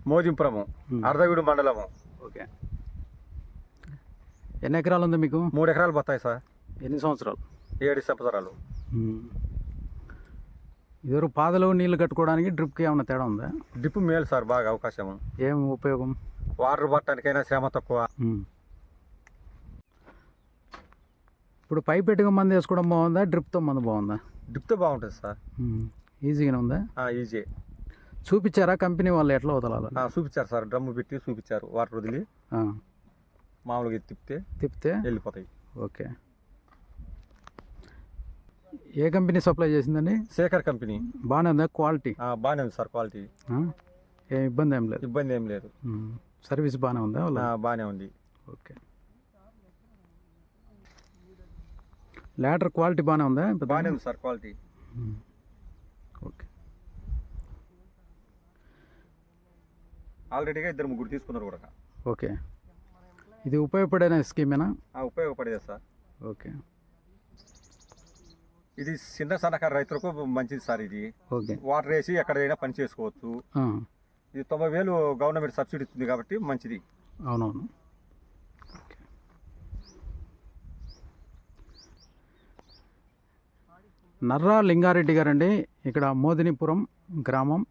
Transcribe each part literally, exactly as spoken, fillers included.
మోజింపురము, అర్ధవీడు మండలము. ఓకే. ఎన్ని ఎకరాలు ఉంది మీకు? మూడు ఎకరాలు పోతాయి సార్. ఎన్ని సంవత్సరాలు? ఏడు సంవత్సరాలు. ఇదివరకు పాదలో నీళ్లు కట్టుకోవడానికి డ్రిప్కి ఏమైనా తేడా ఉందా? డ్రిప్ మేలు సార్, బాగా అవకాశం. ఏం ఉపయోగం? వాటర్ పట్టడానికైనా శ్రమ తక్కువ. ఇప్పుడు పైప్ పెట్టుగా మందు వేసుకోవడం బాగుందా, డ్రిప్తో మందు బాగుందా? డ్రిప్తో బాగుంటుంది సార్. ఈజీగానే ఉందా? ఈజీ. చూపించారా కంపెనీ వాళ్ళు ఎట్లా వదలాలి? చూపించారు సార్, డ్రమ్ము పెట్టి చూపించారు. వాటర్ వదిలి మామూలుగా తిప్పితే తిప్పితే వెళ్ళిపోతాయి. ఓకే. ఏ కంపెనీ సప్లై చేసిందండి? శేఖర్ కంపెనీ. బాగానే ఉందా క్వాలిటీ? బాగానే ఉంది సార్, క్వాలిటీ. ఏం ఇబ్బంది ఏం లేదు? ఇబ్బంది ఏం లేదు. సర్వీస్ బాగానే ఉందా? బాగానే ఉంది. ఓకే. ల్యాడర్ క్వాలిటీ బాగానే ఉందా? బాగానే ఉంది సార్, క్వాలిటీ. ఓకే. ఆల్రెడీగా ఇద్దరు ముగ్గురు తీసుకున్నారు కూడా. ఓకే. ఇది ఉపయోగపడే స్కీమేనా? ఉపయోగపడేది సార్. ఓకే. ఇది చిన్న సన్నకారు రైతులకు మంచిది సార్. ఇది ఓకే. వాటర్ వేసి ఎక్కడైనా పని చేసుకోవచ్చు. ఇది తొంభై వేలు గవర్నమెంట్ సబ్సిడీ ఇస్తుంది కాబట్టి మంచిది. అవునవును. నర్రా లింగారెడ్డి గారండి, ఇక్కడ మోదినిపురం గ్రామం.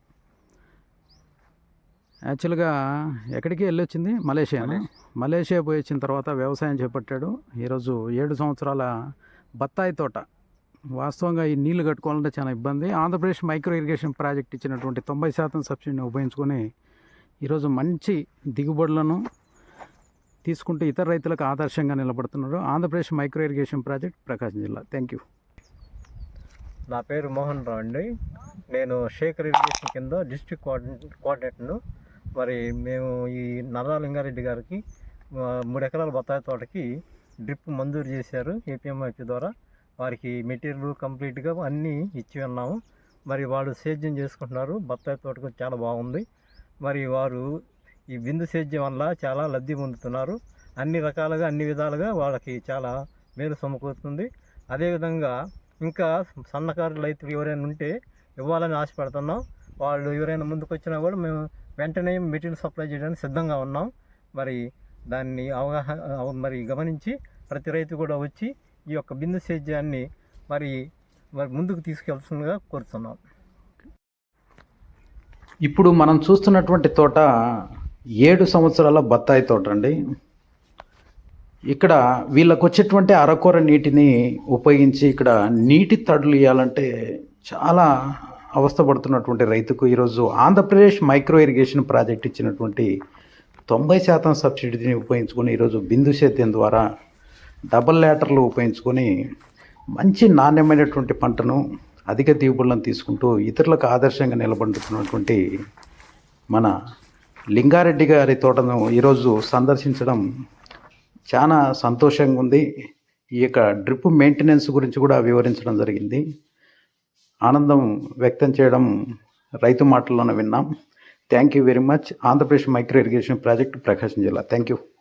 యాక్చువల్గా ఎక్కడికి వెళ్ళొచ్చింది? మలేషియా. మలేషియా పోయి వచ్చిన తర్వాత వ్యవసాయం చేపట్టాడు. ఈరోజు ఏడు సంవత్సరాల బత్తాయి తోట. వాస్తవంగా ఈ నీళ్లు కట్టుకోవాలంటే చాలా ఇబ్బంది. ఆంధ్రప్రదేశ్ మైక్రో ఇరిగేషన్ ప్రాజెక్ట్ ఇచ్చినటువంటి తొంభై శాతం సబ్సిడీని ఉపయోగించుకొని ఈరోజు మంచి దిగుబడులను తీసుకుంటూ ఇతర రైతులకు ఆదర్శంగా నిలబడుతున్నారు. Andhra Pradesh micro irrigation project, Prakasam జిల్లా. Thank you. నా పేరు మోహన్ రావు అండి. నేను శేఖర్ ఇరిగేషన్ కింద డిస్ట్రిక్ట్ కోఆర్డినే కోఆర్డినేటర్ను. మరి మేము ఈ నర్రా లింగారెడ్డి గారికి మూడు ఎకరాల బత్తాయి తోటకి డ్రిప్ మంజూరు చేశారు ఏపీఎంఐపీ ద్వారా. వారికి మెటీరియల్ కంప్లీట్గా అన్నీ ఇచ్చి ఉన్నాము. మరి వాళ్ళు సేద్యం చేసుకుంటున్నారు. బత్తాయి తోటకు చాలా బాగుంది. మరి వారు ఈ బిందు సేద్యం వల్ల చాలా లబ్ధి పొందుతున్నారు. అన్ని రకాలుగా అన్ని విధాలుగా వాళ్ళకి చాలా మేలు సమకూరుతుంది. అదేవిధంగా ఇంకా సన్నకారు రైతులు ఎవరైనా ఉంటే ఇవ్వాలని ఆశపడుతున్నాం. వాళ్ళు ఎవరైనా ముందుకు వచ్చినా కూడా మేము వెంటనే మెటీరియల్ సప్లై చేయడానికి సిద్ధంగా ఉన్నాం. మరి దాన్ని అవగాహన మరి గమనించి ప్రతి రైతు కూడా వచ్చి ఈ యొక్క బిందు సేద్యాన్ని మరి మరి ముందుకు తీసుకెళ్తుందిగా కోరుతున్నాం. ఇప్పుడు మనం చూస్తున్నటువంటి తోట ఏడు సంవత్సరాల బత్తాయి తోట అండి. ఇక్కడ వీళ్ళకు వచ్చేటువంటి అరకొర నీటిని ఉపయోగించి ఇక్కడ నీటి తడులు ఇవ్వాలంటే చాలా అవస్థపడుతున్నటువంటి రైతుకు ఈరోజు ఆంధ్రప్రదేశ్ మైక్రో ఇరిగేషన్ ప్రాజెక్ట్ ఇచ్చినటువంటి తొంభై శాతం సబ్సిడీని ఉపయోగించుకొని ఈరోజు బిందు సేద్యం ద్వారా డబల్ ల్యాటర్లు ఉపయోగించుకొని మంచి నాణ్యమైనటువంటి పంటను అధిక దిగుబడులను తీసుకుంటూ ఇతరులకు ఆదర్శంగా నిలబడుతున్నటువంటి మన లింగారెడ్డి గారి తోటను ఈరోజు సందర్శించడం చాలా సంతోషంగా ఉంది. ఈ యొక్క డ్రిప్ మెయింటెనెన్స్ గురించి కూడా వివరించడం జరిగింది. ఆనందం వ్యక్తం చేయడం రైతు మాటల్లోనే విన్నాం. Thank you very much. Andhra Pradesh micro irrigation project, Prakasam జిల్లా. Thank you.